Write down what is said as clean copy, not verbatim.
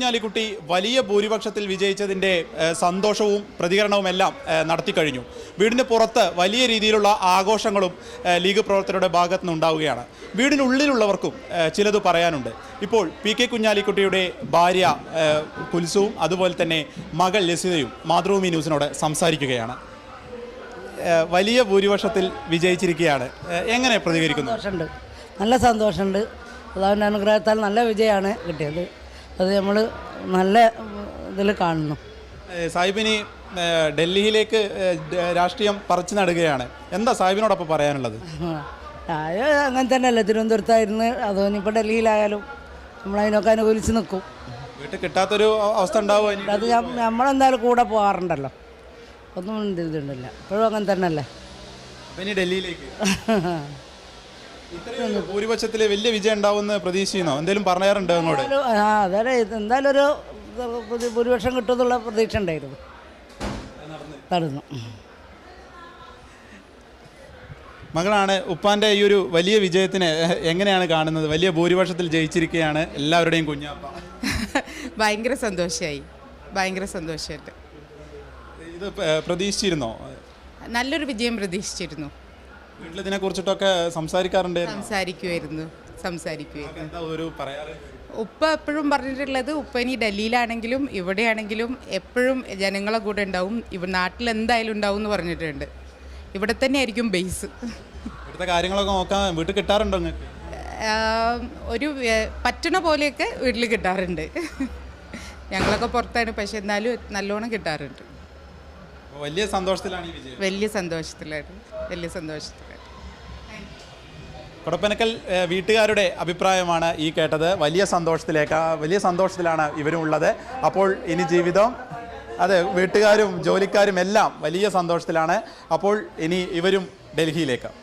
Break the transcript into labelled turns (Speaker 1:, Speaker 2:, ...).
Speaker 1: കുഞ്ഞാലിക്കുട്ടി വലിയ ഭൂരിപക്ഷത്തിൽ വിജയിച്ചതിൻ്റെ സന്തോഷവും പ്രതികരണവുമെല്ലാം നടത്തിക്കഴിഞ്ഞു. വീടിന് പുറത്ത് വലിയ രീതിയിലുള്ള ആഘോഷങ്ങളും ലീഗ് പ്രവർത്തകരുടെ ഭാഗത്തു നിന്നുണ്ടാവുകയാണ്. വീടിനുള്ളിലുള്ളവർക്കും ചിലത് പറയാനുണ്ട്. ഇപ്പോൾ പി കെ കുഞ്ഞാലിക്കുട്ടിയുടെ ഭാര്യ കുൽസുവും അതുപോലെ തന്നെ മകൾ ലസിതയും മാതൃഭൂമി ന്യൂസിനോട് സംസാരിക്കുകയാണ്. വലിയ ഭൂരിപക്ഷത്തിൽ വിജയിച്ചിരിക്കുകയാണ്. എങ്ങനെ പ്രതികരിക്കുന്നു?
Speaker 2: നല്ല സന്തോഷമുണ്ട്. അള്ളാഹുവിൻ്റെ അനുഗ്രഹത്താൽ നല്ല വിജയമാണ് കിട്ടിയത്. അത് നമ്മൾ നല്ല ഇതിൽ കാണുന്നു.
Speaker 1: സാഹിബിനി ഡൽഹിയിലേക്ക് രാഷ്ട്രീയം പറിച്ചു നടുകയാണ്. എന്താ സാഹിബിനോടൊപ്പം പറയാനുള്ളത്?
Speaker 2: അങ്ങനെ തന്നെയല്ലേ, തിരുവനന്തപുരത്തായിരുന്നു. അതോന്നിപ്പോൾ ഡൽഹിയിലായാലും നമ്മളതിനൊക്കെ അനുകൂലിച്ച് നിൽക്കും.
Speaker 1: വീട്ടിൽ കിട്ടാത്തൊരു അവസ്ഥ ഉണ്ടാവും.
Speaker 2: അത് നമ്മളെന്തായാലും കൂടെ പോകാറുണ്ടല്ലോ, ഒന്നും ഇതുണ്ടല്ല. ഇപ്പോഴും അങ്ങനെ തന്നെയല്ലേ.
Speaker 1: ഇനി ഡൽഹിയിലേക്ക് ഭൂരിപക്ഷത്തിൽ വലിയ വിജയം ഉണ്ടാവുമെന്ന് പ്രതീക്ഷിക്കുന്നോ? എന്തെങ്കിലും പറയാറുണ്ടോ അങ്ങോട്ട്?
Speaker 2: അതെ, എന്തായാലും ഒരു ഭൂരിപക്ഷം കിട്ടുമെന്നുള്ള പ്രതീക്ഷ ഉണ്ടായിരുന്നു. നടന്നു.
Speaker 1: മകളാണ്. ഉപ്പാൻ്റെ ഈ ഒരു വലിയ വിജയത്തിനെ എങ്ങനെയാണ് കാണുന്നത്? വലിയ ഭൂരിപക്ഷത്തിൽ ജയിച്ചിരിക്കുകയാണ് എല്ലാവരുടെയും കുഞ്ഞാപ്പ.
Speaker 3: ഭയങ്കര സന്തോഷമായി, ഭയങ്കര സന്തോഷമായിട്ട്.
Speaker 1: ഇത് പ്രതീക്ഷിച്ചിരുന്നോ?
Speaker 3: നല്ലൊരു വിജയം പ്രതീക്ഷിച്ചിരുന്നു.
Speaker 1: വീട്ടിലിതിനെ കുറിച്ചിട്ടൊക്കെ
Speaker 3: സംസാരിക്കുമായിരുന്നു. എന്താ ഒരു പറയാറ്? ഉപ്പ എപ്പോഴും പറഞ്ഞിട്ടുള്ളത്, ഉപ്പ ഇനി ഡൽഹിയിലാണെങ്കിലും ഇവിടെയാണെങ്കിലും എപ്പോഴും ജനങ്ങളെ കൂടെ ഉണ്ടാവും, നാട്ടിൽ എന്തായാലും ഉണ്ടാവും എന്ന് പറഞ്ഞിട്ടുണ്ട്. ഇവിടെ തന്നെ ആയിരിക്കും ബേസ്.
Speaker 1: ഇവിടുത്തെ കാര്യങ്ങളൊക്കെ നോക്കാൻ വീട്ടിൽ കിട്ടാറുണ്ടോ?
Speaker 3: ഒരു പറ്റണ പോലെയൊക്കെ വീട്ടിൽ കിട്ടാറുണ്ട്. ഞങ്ങളൊക്കെ പുറത്താണ്, പക്ഷെ എന്നാലും നല്ലോണം കിട്ടാറുണ്ട്.
Speaker 1: വലിയ സന്തോഷത്തിലാണ് ഈ വിജയം.
Speaker 3: വലിയ സന്തോഷത്തിലാണ്.
Speaker 1: കൊടപ്പനക്കൽ വീട്ടുകാരുടെ അഭിപ്രായമാണ് ഈ കേട്ടത്. വലിയ സന്തോഷത്തിലാണ് ഇവരും ഉള്ളത്. അപ്പോൾ ഇനി ജീവിതം, അതെ, വീട്ടുകാരും ജോലിക്കാരും എല്ലാം വലിയ സന്തോഷത്തിലാണ്. അപ്പോൾ ഇനി ഇവരും ഡൽഹിയിലേക്ക്.